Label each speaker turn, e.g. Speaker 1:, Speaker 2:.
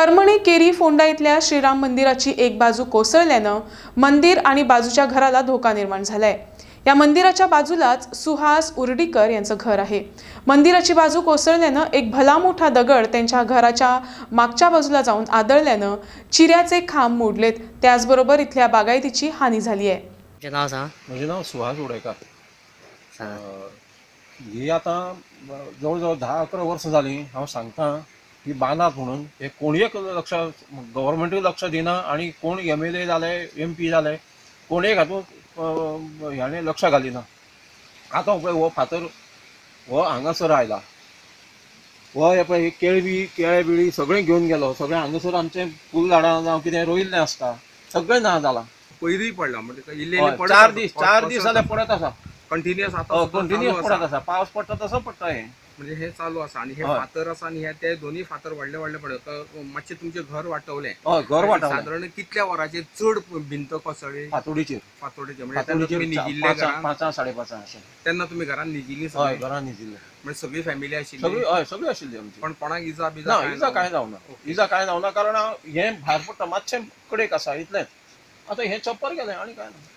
Speaker 1: करमणी carry Phonda इथल्या श्रीराम मंदिराची एक बाजू कोसळल्यानं मंदिर आणि बाजूच्या घराला धोका निर्माण झालाय। या मंदिराच्या बाजूलाच सुहास उर्डीकर यांचं घर आहे। मंदिराची बाजू कोसळल्यानं एक भला मोठा दगड त्यांच्या घराच्या मागच्या बाजूला जाऊन आदळल्यानं चिऱ्याचे खांब मोडलेत। त्याचबरोबर इथल्या बागायतीची हानी झाली आहे।
Speaker 2: माझे नाव सुहास उर्डीकर। ही आता जवळजवळ 10-11 वर्ष झाली हांव सांगता ही बांदात म्हणून हे कोणीक लक्ष गव्हर्मेंटूय लक्ष दिना आणि कोण MLA जाले MP जाले कोणेक हातूंत ह्याने लक्ष घालिना। आतां पळय हो फातर हो हांगासर आयला, हो हे पळय केळे बिळी सगळें घेवन गेलो। सगळें हांगासर आमचें फूल झाडां जावं कितें रोयिल्लें आसता सगळें ना जालां।
Speaker 3: पयलीं पडला म्हणजे
Speaker 2: इल्लें 4 दीस जाले पडत आसा,
Speaker 3: कंटिन्युअस आता
Speaker 2: कंटिन्युअस पडत आसा। पावस पडटा तसो पडटा हे
Speaker 3: म्हणजे हे चालू आसा आणि हे फातर आसा आणि हे ते दोन्ही फातर व्हडले व्हडले पडत। मातशें तुमचें घर वाटवलें।
Speaker 2: घर वाटवलें।
Speaker 3: साधारण कितल्या वरांचेर चड भिंत कोसळ्ळी?
Speaker 2: फातोडीचेर
Speaker 3: म्हणजे तुमी निजिल्ले
Speaker 2: 5-5:30 अशें।
Speaker 3: तेन्ना तुमी घरान निजिल्ली?
Speaker 2: हय, घरान निजिल्ले।
Speaker 3: म्हणजे सगळी फॅमिली आशिल्ली?
Speaker 2: सगळी आशिल्ली आमची।
Speaker 3: पण कोणाक इजा
Speaker 2: कांय जावना कारण हें भायर पडटा मातशें कडेक आसा इतलेंच। आतां हें चप्पर गेलें आनी कांय ना।